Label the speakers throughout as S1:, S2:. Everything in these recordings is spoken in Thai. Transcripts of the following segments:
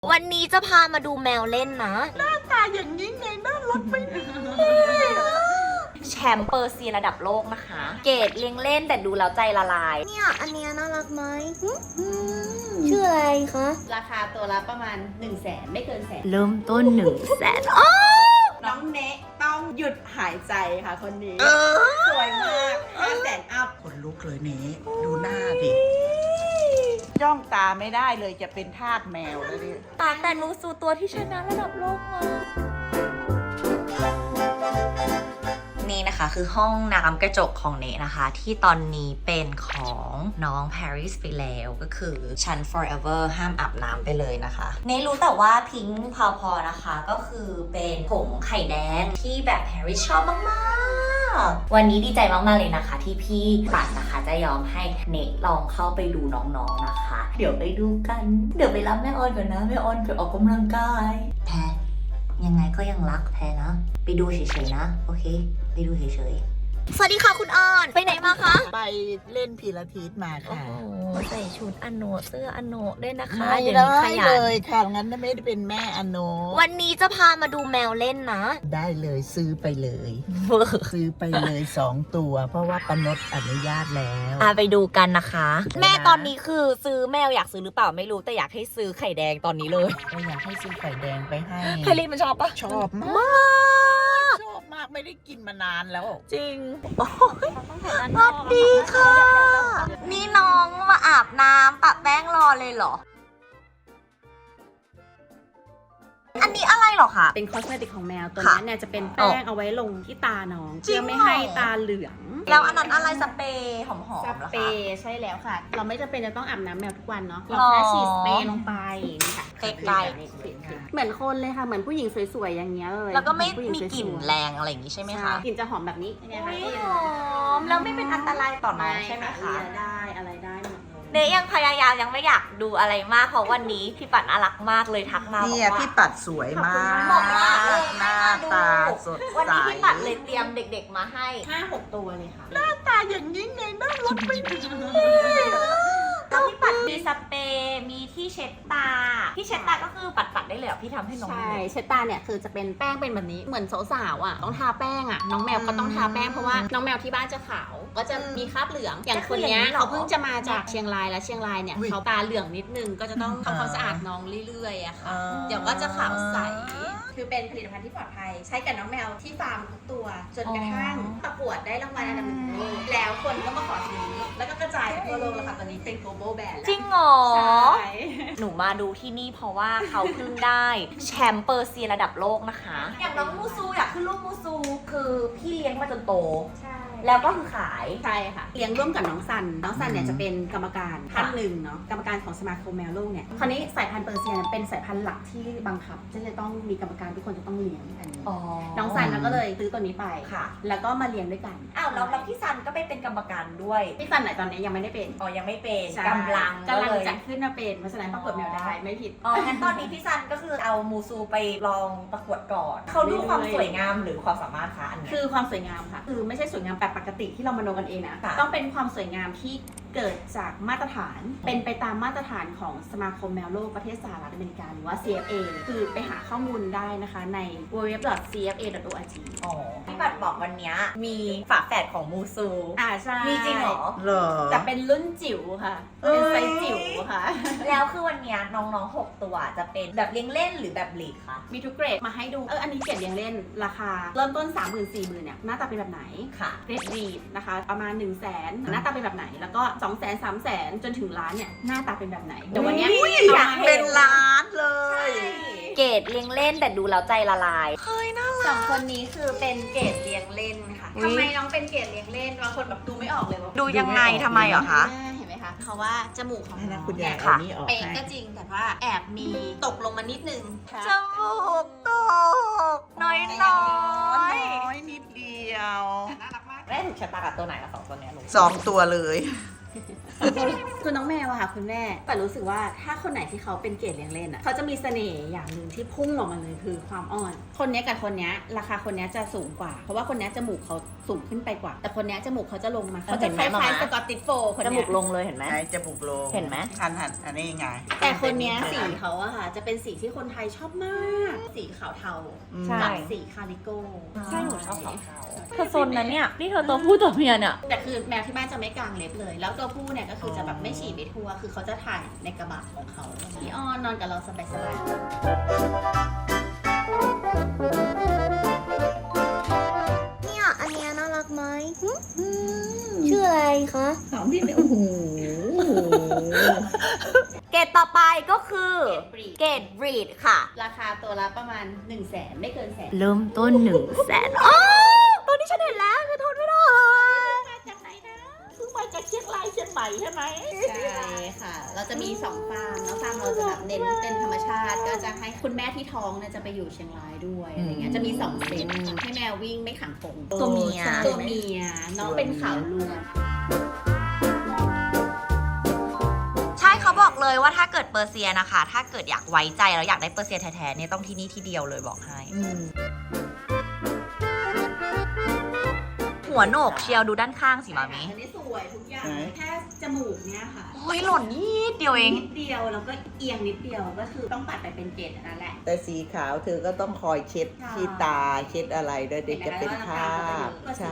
S1: วันนี้จะพามาดูแมวเล่นนะ
S2: หน้าตาอย่างนี้ไงน่ารักไม่ดี
S1: แชมป์เปอร์เซียระดับโลกนะคะ เกรดเลี้ยงเล่นแต่ดูแล้วใจละลายเนี่ยอันเนี้ยน่ารักไหมชื่ออะไรคะ
S3: ราคาตัวละประมาณ 100,000 ไม่เกินแสน
S1: เริ่มต้น100,000
S3: น้องเนะต้องหยุดหายใจค่ะคนนี้ สวยมาก 500,000 อัพ
S2: คนลุกเลยเนี้ดูหน้าดิจ้องตาไม่ได้เลยจะเป็นทาสแมวแล้วดิ
S1: แต่หนูสู่ตัวที่ชนะระดับโลกมานี่นะคะคือห้องน้ำกระจกของเนนะคะ ที่ตอนนี้เป็นของน้องปารีสไปแล้วก็คือชั้น forever ห้ามอาบน้ำไปเลยนะคะเนรู้แต่ว่าพิงค์พาวพอนะคะก็คือเป็นผงไข่แดงที่แบบแฮร์รี่ชอบมากๆวันนี้ดีใจมากๆเลยนะคะที่พี่ปัดนะคะจะยอมให้เนลองเข้าไปดูน้องๆนะคะ เดี๋ยวไปดูกันเดี๋ยวไปรับแม่ออนก่อนนะแม่ออนไปออกกำลังกายแพรยังไงก็ยังรักแพรนะไปดูเฉยๆนะโอเคไปดูเฉยๆสวัสดีค่ะคุณออนไปไหนมาคะ
S2: ไปเล่นพิลาทิสมา
S1: โอ้
S2: ค่ะ
S1: โหใส่ชุดอโนเสื้ออโนด้วยนะคะ
S2: ไม่
S1: เดี๋ยว
S2: ได้
S1: นี้ขยั
S2: เล
S1: น
S2: ยค่ะงั้นไม่ได้เป็นแม่อโน
S1: วันนี้จะพามาดูแมวเล่นนะ
S2: ได้เลยซื้อไปเลย ซื้อไปเลย2 ตัว เพราะว่าปนดอนุญาตแล้ว
S1: ไปดูกันนะคะ แม่ตอนนี้คือซื้อแมวอยากซื้อหรือเปล่าไม่รู้แต่อยากให้ซื้อไข่แดงตอนนี้เลย
S2: ก็อยากให้ซื้อไข่แดงไปให้
S1: ไพลีมันชอบปะ
S2: ชอบมาก ชอบมากไม่ได้กินมานานแล้ว
S1: จริงสวัสดีค่ะ นี่น้องมาอาบน้ำปะแป้งรอเลยเหรอ อันนี้อะไรเหรอคะ
S3: เป็นคอสเมติกของแมว ตัว
S1: ค่ะ
S3: นี้เนี่ยจะเป็นแป้งเอาไว้ลงที่ตาน้อง
S1: จริง
S3: เพื่อไม่
S1: เหรอ
S3: ให้ตาเหลือง
S1: แล้วอันนั้นอะไรสเปรย์หอมๆ
S3: ส
S1: เหรอ
S3: เปร
S1: คะ
S3: ย์ใช่แล้วค่ะ เราไม่จำเป็นจะต้องอาบน้ำแมวทุกวันเนาะ เรา
S1: อ๋อ
S3: แค่ฉีดสเปรย์ลงไปนี่ค่ะ
S1: ใกล้
S3: เหมือนคนเลยค่ะ เหมือนผู้หญิงสวยๆอย่างเงี้ยเลย
S1: แล้วก็ไม่
S3: เหอนผู้หญิง
S1: มีกลิ่น
S3: สวยๆ
S1: แรงอะไรอย่างนี้ใช่ไหมคะ
S3: กลิ่นจะหอมแบบนี้เนี่ยค่ะ
S1: หอมแล้วไม่เป็นอันตรายต่อน้องใช่ไหมคะ
S3: เลียได้อะไรได้หมดเลย
S1: เนยยังพยายามยังไม่อยากดูอะไรมากเพราะวันนี้พี่ปัดน่ารักมากเลยทักมาบอก
S2: เนี่ย
S1: ว่า
S2: พี่ปัดสวยมาก
S1: บอกว่า
S2: หน้าตาสด
S1: วัน
S2: ใส
S1: นี้พี่ปัดเลยเตรียมเด็กๆมาให้
S3: 5-6 ตัวเลยค่ะ
S2: ตาอย่างนี้ไงน่ารักไม่ดี
S1: แล้วพี่ปัดมีสเปรย์มีที่เช็ดตาที่เช็ดตาก็คือปัดได้เลยเหรอพี่ทำให้น้อง
S3: ใช่
S1: ดู
S3: เช็ดตาเนี่ยคือจะเป็นแป้งเป็นแบบนี้เหมือนสาวๆอ่ะต้องทาแป้งอ่ะน้องแมวก็ต้องทาแป้งเพราะว่าน้องแมวที่บ้านจะขาวก็จะมีคราบเหลืองอย่างคนเนี้ยเขาเพิ่งจะมาจากเชียงรายแล้วเชียงรายเนี่ยเขาตาเหลืองนิดนึงก็จะต้องทำความสะอาดน้องเรื่อยๆอะค่ะเดี๋ยวก็จะขาวใสคือเป็นผลิตภัณฑ์ที่ปลอดภัยใช้กับน้องแมวที่ฟาร์มทุกตัวจนกระทั่งประกวดได้รางวัลอันดับ 1ของโลกแล้วคนก็มาขอซื้อแล้วก็กระจายไปทั่วโลกแล้วค่ะตอนนี้เป็น global brand แล้ว
S1: จริงเหรอ
S3: ใช่
S1: หนูมาดูที่นี่เพราะว่าเขาเพิ่งได้แชมป์เปอร์เซียระดับโลกนะคะ อย่างน้องมูซูอยากขึ้นรูปมูซูคือพี่เลี้ยงมาจนโต
S3: ใช่
S1: แล้วก็คือขาย
S3: ใช่ค่ะเลี้ยงร่วมกับน้องซันเนี่ยจะเป็นกรรมการท่านหนึ่งเนาะกรรมการของสมาคมแมวโลกเนี่ยคราวนี้สายพันธุ์เปอร์เซียเนี่ยเป็นสายพันธุ์หลักที่บังคับที่จะต้องมีกรรมการทุกคนจะต้องเลี้ยงอันนี้น้องซันก็เลยซื้อตัวนี้ไป
S1: ค่ะ
S3: แล้วก็มาเลี้ยงด้วยกัน
S1: อ้าวแล้วพี่ซันก็ไปเป็นกรรมการด้วย
S3: พี่ซันไหนตอนนี้ยังไม่ได้เป็น
S1: อ๋อยังไม่เป็น
S3: ใช่
S1: กำลัง
S3: จะ
S1: จะ
S3: ขึ้นมาเป็นเพราะฉะนั้นประกวดแมวได้ไม่ผิด
S1: อ๋องั้นตอนนี้พี่ซันก็คือเอามูซูไปลองประกวดก่อนเขาดูความสวยงามหรือความสามารถคะอันเนี้ย
S3: คือความสวยงามค่ะ คือไม่ใช่สวยงามแบบปกติที่เรามโนกันเองนะ
S1: ค่ะ
S3: ต้องเป็นความสวยงามที่เกิดจากมาตรฐาน เป็นไปตามมาตรฐานของสมาคมแมวโลกประเทศสหรัฐอเมริกาหรือว่า CFA คือไปหาข้อมูลได้นะคะใน www.cfa.org
S1: อ๋อพี่ปัดบอกวันเนี้ยมีฝาแฝดของมูซู
S3: ใช่
S1: มีจริงเหรอ
S2: เหรอ
S3: แต่เป็นรุ่นจิ๋วค่ะ เป็นไซส์จิ๋วค่ะ
S1: แล้วคือวันเนี้ยน้องๆ6ตัวจะเป็นแบบเลี้ยงเล่นหรือแบบบลีดคะ
S3: มีทุกเกรดมาให้ดู อันนี้เกรดเลี้ยงเล่นราคาเริ่มต้น 30,000-40,000เนี่ยหน้าตาเป็นแบบไหน
S1: ค่ะ
S3: เกรดบีดนะคะประมาณ 100,000หน้าตาเป็นแบบไหน แล้วก็ 200,000 300,000 จนถึงล้านเนี่ยหน้าตาเป็นแบบไหนเดี๋ยววันเนี้ย
S1: อยากเห็
S2: เป็นล้านเลย
S1: เกรดเลี้ยงเล่นแต่ดูแล้วใจละลาย
S3: สองคนนี้คือเป็นเกรดเลี้ยงเล่นค่ะ
S1: อุ๊ย
S3: ทำไมน้องเป็นเกรดเลี้ยงเล่นบางคนแบบดูไม่ออกเลยว่า
S1: ดูยังไงทำไมเหรอคะ
S3: เห็นไหมคะเพราะว่าจมูกของ
S2: ให้
S3: น้
S2: นะ
S3: อง
S2: คุณยาย
S3: เนี่ย
S2: เอานี่ออก
S3: เป๊ะ
S2: ให้
S3: ก็จริงแต่ว่าแอบมีตกลงมานิดนึง
S1: จมูกตกน้อย
S2: น้อยนิดเดียว
S3: น่ารักมาก
S1: แม่ถูกชะตากับตัวไหนละสองตัวเนี้ยหนู
S2: 2 ตัวเลย
S3: คือน้องแมวอะค่ะคุณแม่แต่รู้สึกว่าถ้าคนไหนที่เขาเป็นเกรดเลี้ยงเล่นอะเขาจะมีเสน่ห์อย่างหนึ่งที่พุ่งออกมาเลยคือความอ่อน คนเนี้ยกับคนเนี้ยราคาคนเนี้ยจะสูงกว่า เพราะว่าคนเนี้ยจมูกเขาสูงขึ้นไปกว่า แต่คนเนี้ยจมูกเขาจะลงมาเขา
S1: เห็
S3: จะ
S1: น
S3: ค
S1: ไหม
S3: ล้าย
S1: มา
S3: ๆสกอตติชโฟล์คน
S1: จ
S3: เนี้
S1: มู
S3: ย
S1: กลงเลยเห็นไหม
S2: ไหนจมูกโลง
S1: เห็นไหม
S2: หันอันนี้ไง
S3: แต่คนเนี้ยสีเขาอะค่ะจะเป็นสีที่คนไทยชอบมาก สีขาวเทา
S1: ใช่
S3: กับสีคาริโก้
S1: ใช่หนูชอบขาวเธอโซนนั้นเนี่ยนี่เธอตัวผู้ตัวเมียเนี่ย
S3: แต่คือแมวที่บ้านจะไม่กางเล็บเลย แล้วตัวผู้เนี่ยก็คือจะแบบไม่ฉี่ไปทั่ว คือเขาจะถ่ายในกระบะของเขาพี่อ้อนนอนกับเราสบาย
S4: เนี่ยอันเนี้ยน่ารักไหมชื่ออะไรคะ
S2: ถามพี่เนี่ยโอ้โห
S1: เกรดต่อไปก็คือ
S3: ๆเกรดบรีด
S1: เกรดบรีดค่ะ
S3: ราคาตัวละประมาณ 100,000 ไม่เกินแสน
S1: เริ่มต้น100,000อ๋อตัวนี้ฉันเห็นแล้วฉันทนไม่ได้
S3: มาจากไหนนะ
S2: ซื้อมาจากเชียงรายเชียงใหม่ใช่ไหม
S3: ใช่ค่ะ เราจะมี2ฟาร์มแล้วฟาร์มเราจะแบบเน้นเป็นธรรมชาติ ก็จะให้คุณแม่ที่ท้องเนี่ยจะไปอยู่เชียงรายด้วยอะไรเงี้ย จะมี2เซตให้แมววิ่งไม่ขังกรง
S1: ตัวเมีย
S3: ตัวเมียน้องเป็นขาวล้วน
S1: ใช่เขาบอกเลยว่าถ้าเกิดเปอร์เซียนะคะ ถ้าเกิดอยากไว้ใจแล้วอยากได้เปอร์เซียแท้ๆเนี่ยต้องที่นี่ที่เดียวเลยบอกให้ หัวโหนกเชียวดูด้านข้างสิมามิ
S3: อันนี้สวยทุกอย่าง
S2: ไหน
S3: แค่จมูกเนี่ยค่ะ
S1: โอ้ยหล่นนิดเดียวเอง
S3: นิดเดียวแล้วก็เอียงนิดเดียวก็คือต้องตัดไปเป็นเกล็ดอันนั้นแหละ
S2: แต่สีขาวเธอก็ต้องคอยเช็ด
S3: ค่ะ
S2: ที่ตาเช็ดอะไรด้วยเด็กจะเป็นคราบใช่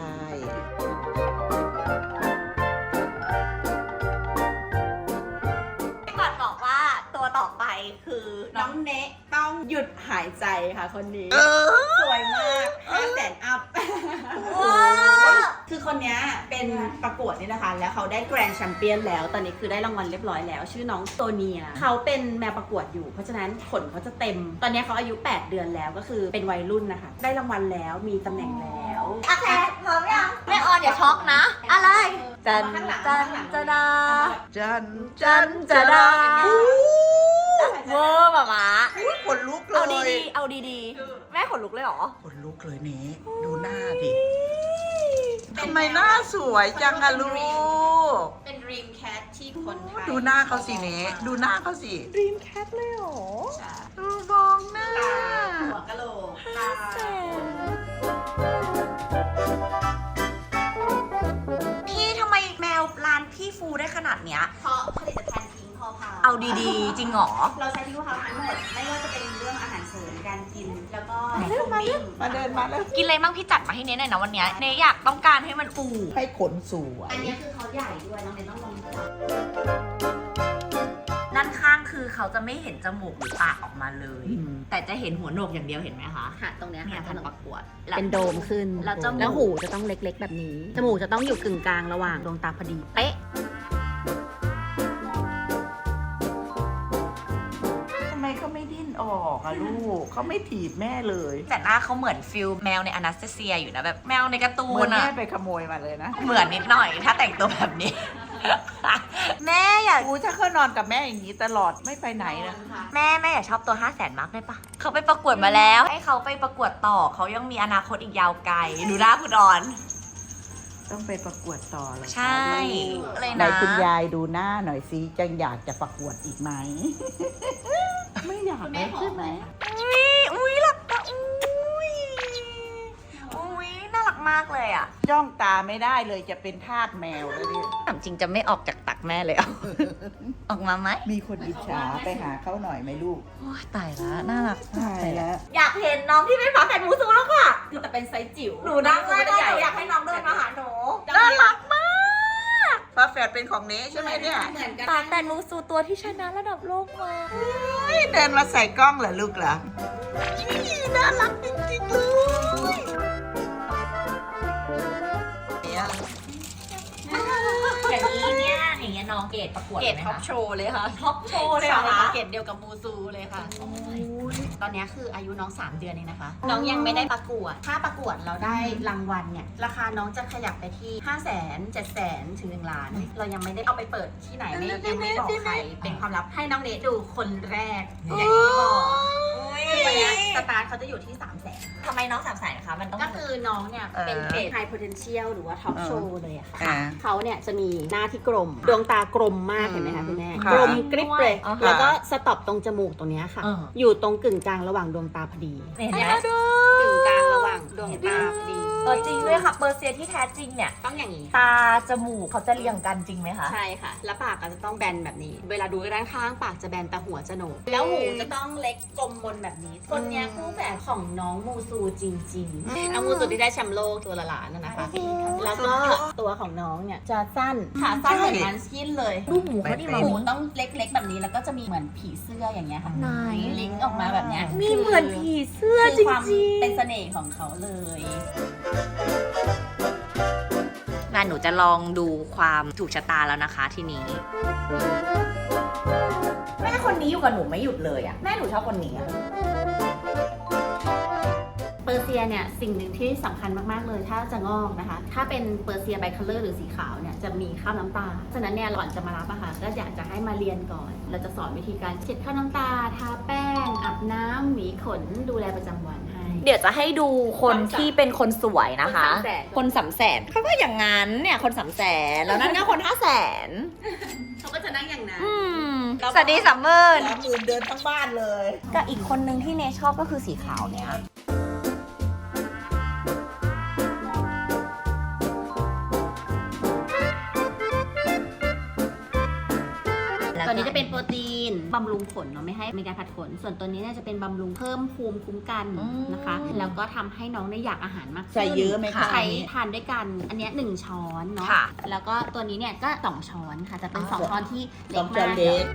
S1: ก่อนบอกว่าตัวต่อไปคือ
S3: น้องเนะต้องหยุดหายใจค่ะคนนี้ สวยมาก500,000 อัพ
S1: ว้าว
S3: คือคนเนี้ยเป็นประกวดนี่นะคะ แล้วเขาได้แกรนด์แชมเปี้ยนแล้ว ตอนนี้คือได้รางวัลเรียบร้อยแล้ว ชื่อน้องโตเนีย เขาเป็นแมวประกวดอยู่ เพราะฉะนั้นขนเขาจะเต็ม ตอนนี้เขาอายุ 8 เดือนแล้วก็คือเป็นวัยรุ่นนะคะ ได้รางวัลแล้ว มีตำแหน่งแล้ว
S1: โอเคพร้อมยังแม่ออนอย่าช็อกนะ อะไร จัน
S3: ข้างหลัง
S1: จัน
S3: ข้างหลัง
S1: จะดา
S2: จัน
S1: จันจะดาเวอร์แบบมา
S2: ขนลุกเล
S1: เอา
S2: ย
S1: ดีๆเอาดีๆแม่ขนลุกเลยเหรอ
S2: ขนลุกเลยเนี้ดูหน้าดิทำไมหน้าสวยจังอะลูก
S3: เป็น Dream Cat ที่คนไทย
S2: ดูหน้าเขาสิเนี้ดูหน้าเขาสิ
S1: Dream Cat เลยเหรอ
S3: ใช่
S2: ดูมองหน้า
S3: ตาหัวกะโหลกตา
S1: พี่ทำไมแมวร้านพี่ฟูได้ขนาดเนี้ย
S3: เพราะผลิตภัณฑ์พิงค์พอพา
S1: เอาดีๆ จริงเหรอ
S3: เราใช้พิงค์พอพาทั้งหมด ไม่ว่าจะเป็นเรื่องอาหารเสริมการกิน แล้วก็
S2: มาเร็วมาเร็ว มาเดินมาแล้ว
S1: กินอะไรบ้างพี่จัดมาให้เนยหน่อยนะวันเนี้ยเนยอยากต้องการให้มันอู่
S2: ให้ขนสวย
S3: อันนี้คือเขาใหญ่ด้วยน้องเนยต้องลองจับ
S1: ด้านข้างคือเขาจะไม่เห็นจมูกหรือปากออกมาเลย
S2: อืม
S1: แต่จะเห็นหัวโหนกอย่างเดียวเห็นไหมคะ
S3: ค่ะตรงเนี้ย
S1: เนี่ย
S3: ค่ะ
S1: พันประกวด
S3: เป็นโดมขึ้น
S1: แล้วจมูก
S3: แล้วหูจะต้องเล็กๆแบบนี้ จมูกจะต้องอยู่กึ่งกลางระหว่างดวงตาพอดี เป๊ะ
S2: ทำไมเขาไม่ดิ้นออกอะลูก เขาไม่ถีบแม่เลย
S1: แต่หน้าเขาเหมือนฟิลแมวในอนาสเตเซียอยู่นะแบบแมวในการ์ตู
S2: เหมือน น
S1: อะ
S2: แม่ไปขโมยมาเลยนะ
S1: เหมือนนิดหน่อย ถ้าแต่งตัวแบบนี้ แม่อยาก
S2: กูถ้าเขานอนกับแม่อย่างนี้ตลอดไม่ไปไหนนะ
S1: แม่อยากชอบตัว 500,000 มากได้ปะเขาไปประกวดมาแล้ว ให้เขาไปประกวดต่อเขายังมีอนาคตอีกยาวไกลดูหน้าคุณออน
S2: ต้องไปประกวดต่อเลย
S1: ใช่เลย
S2: ไหน
S1: นะ
S2: คุณยายดูหน้าหน่อยสิจังอยากจะประกวดอีกไหม ไม่อยาก
S3: คุณ
S2: เล
S3: แม่
S2: ย
S3: หอ
S2: ใช่
S3: ม
S2: ไห
S3: ไห
S2: ม
S3: ม
S1: อุ้ยหลับตาอุ้ยน่ารักมากเลยอ่ะ
S2: จ้องตาไม่ได้เลยจะเป็นทาสแมวแล้วเนี่ย
S1: ถามจริงจะไม่ออกจากตักแม่เลยอ่ะ ออกมาไหม
S2: มีคนอิจฉาไปหาเขาหน่อยไหมลูก
S1: โอ้ยตายละน่ารักมาก
S2: ใช่
S1: เลยอะ
S2: แล้ว
S1: อยากเห็นน้องที่เป็นฝาแฝดมูซูแล้วค่ะ
S3: คือแต่เป็นไซส์จิ๋ว
S1: หนูนั่งเลยค่ะหนูอยากให้น้องเดินมาหาหนูน่ารักมาก
S2: ฟ้าแฝดเป็นของเนใช่ไหมเนี่ย
S3: เหมือนกัน
S1: ฝาแฝดมูซูตัวที่ชนะระดับโลกมา
S2: เดินมาใส่กล้องเหรอลูกเหรอน่ารักจริงๆเลยเนี่ย
S1: อย่างนี้เนี่ยอย่างเงี้ยน้องเกดประกวด
S3: เกรดท็อปโชว์เลยค่ะ
S1: ท็อปโชว์เลยเหรอคะ
S3: เกรดเดียวกับมูซูเลยค่ะ ตอนนี้คืออายุน้อง 3 เดือนเองนะคะ น้องยังไม่ได้ประกวด ถ้าประกวดเราได้รางวัลเนี่ย ราคาน้องจะขยับไปที่ 500,000 700,000 ถึง 1 ล้าน เรายังไม่ได้เอาไปเปิดที่ไหนไม่ยังไม่บอกใคร เป็นความลับให้น้องเนทดูคนแรก อย่างที่บอกคือวันเนี้ยสตาร์ทเขาจะอยู่ที่ 300,000
S1: ทำไมน้องสามสายนะคะ มันต้อง
S3: ก็คือน้องเนี่ยเป็นเกรด high potential หรือว่า top show เลยอะค่ะ
S2: อ่า
S3: เขาเนี่ยจะมีหน้าที่กลม ดวงตากลมมากเห็นไหมคะคุณแม่
S2: ค่ะ
S3: กลมกริบเลย
S1: อ๋อ
S3: แล้วก็สต็อปตรงจมูกตรงเนี้ยค่ะ อยู่ตรงกึ่งกลางระหว่างดวงตาพอดี
S1: เห็นไหม
S3: กึ่งกลางระหว่างดวงตาพอดี
S1: เจริงด้วยค่ะเปอร์เซียที่แท้จริงเนี่ย
S3: ต้องอย่างนี้
S1: ตาจมูกเขาจะเรียงกันจริงไหมคะ
S3: ใช่ค่ะ แล้วปากก็จะต้องแบนแบบนี้ เวลาดูด้านข้างปากจะแบนแต่หัวจะโหนกแล้วหูจะต้องเล็กกลมบนแบบนี้คนเนี้ยคู่แฝดของน้องมูซูจริงๆน้องมูซูที่ได้แชมป์โลกตัวละล้านนะคะ แล้วก็ตัวของน้องเนี่ยจะสั้นขาสั้นเหมือนมันสกินเลย
S1: รูปหมูเขานี่มา
S3: หูต้องเล็กๆแบบนี้แล้วก็จะมีเหมือนผีเสื้ออย่างเงี้ยค่ะ
S1: ไหน
S3: ลิงก์ออกมาแบบเนี้ย
S1: มีเหมือนผีเสื้อ
S3: คือ
S1: จ
S3: ความ
S1: ริง
S3: เป็นเสน่ห์ของเขาเลย
S1: ๆงั้นหนูจะลองดูความถูกชะตาแล้วนะคะทีนี้ แม่คนนี้อยู่กับหนูไม่หยุดเลยอะแม่หนูชอบคนนี้อะ
S3: เปอร์เซียเนี่ยสิ่งหนึ่งที่สำคัญมากๆเลยถ้าจะงอกนะคะ ถ้าเป็นเปอร์เซียไบคัลเลอร์หรือสีขาวเนี่ยจะมีคราบน้ำตาฉะนั้นเนี่ยก่อนจะมารับอะค่ะก็อยากจะให้มาเรียนก่อน เราจะสอนวิธีการเช็ดคราบน้ำตาทาแป้งอาบน้ำหวีขนดูแลประจำวันให้
S1: เดี๋ยวจะให้ดูคนที่เป็นคนสวยนะคะ
S3: คน300,000
S1: คน300,000เขาก็อย่างงั้นเนี่ยคน300,000แล้วนั่นก็คน500,000
S3: เขาก็จะนั่งอย่างนั้น
S1: สวัสดีซัมเมอร์
S2: 30,000เดินทั้งบ้านเลย
S1: กับอีกคนนึงที่เนชอบก็คือสีขาวเนี่ย
S3: ตัวนี้จะเป็นโปรตีนบำรุงขนเนาะไม่ให้มีการผัดขน ส่วนตัวนี้เนี่ยจะเป็นบำรุงเพิ่มภูมิคุ้มกันนะคะ แล้วก็ทำให้น้องได้อยากอาหารมากขึ้น
S2: ใส่เยอะไหมคะ
S3: ใช้
S2: อันนี้
S3: ทานด้วยกันอันเนี้ย1ช้อนเนาะ
S1: ค่ะ
S3: แล้วก็ตัวนี้เนี่ยก็2ช้อนค่ะจะเป็น
S2: อ๋อ
S3: 2ช้อนที่เล็
S2: ต้อก ง
S3: มา
S2: จะ
S3: ก
S2: เล็ก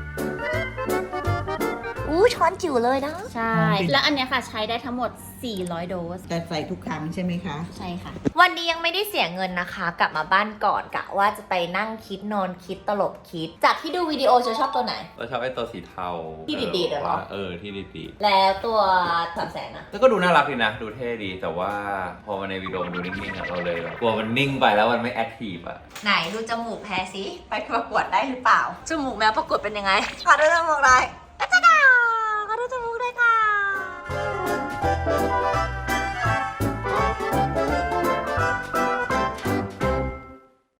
S1: อู้ช้อนจิ๋วเลยนะ
S3: ใช่ แล้วอันเนี้ยค่ะใช้ได้ทั้งหมด400 โดส
S2: แต่ใส่ทุกครั้งใช่ไหมคะ
S3: ใช่ค่ะ
S1: วันนี้ยังไม่ได้เสียเงินนะคะ กลับมาบ้านก่อนกะว่าจะไปนั่งคิดนอนคิดตลบคิด จากที่ดูวิดีโอจะชอบตัวไหน
S5: เราชอบไอ้ตัวสีเทา
S1: ที่ดีดๆเหรอ
S5: ที่ดี
S1: แล้วตัว300,000นะ
S5: ๆแล้วก็ดูน่ารักดีนะ ดูเท่ดี แต่ว่าพอมาในวิดีโอมันดูนิ่งๆอะเราเลยแบบกลัวมันนิ่งไปแล้วมันไม่แอคทีฟอะ
S1: ไหนดูจมูกแพ้สิไปประกวดได้หรือเปล่า จมูกแมวประกวดเป็นยังไงขอดูจมูกหน่อย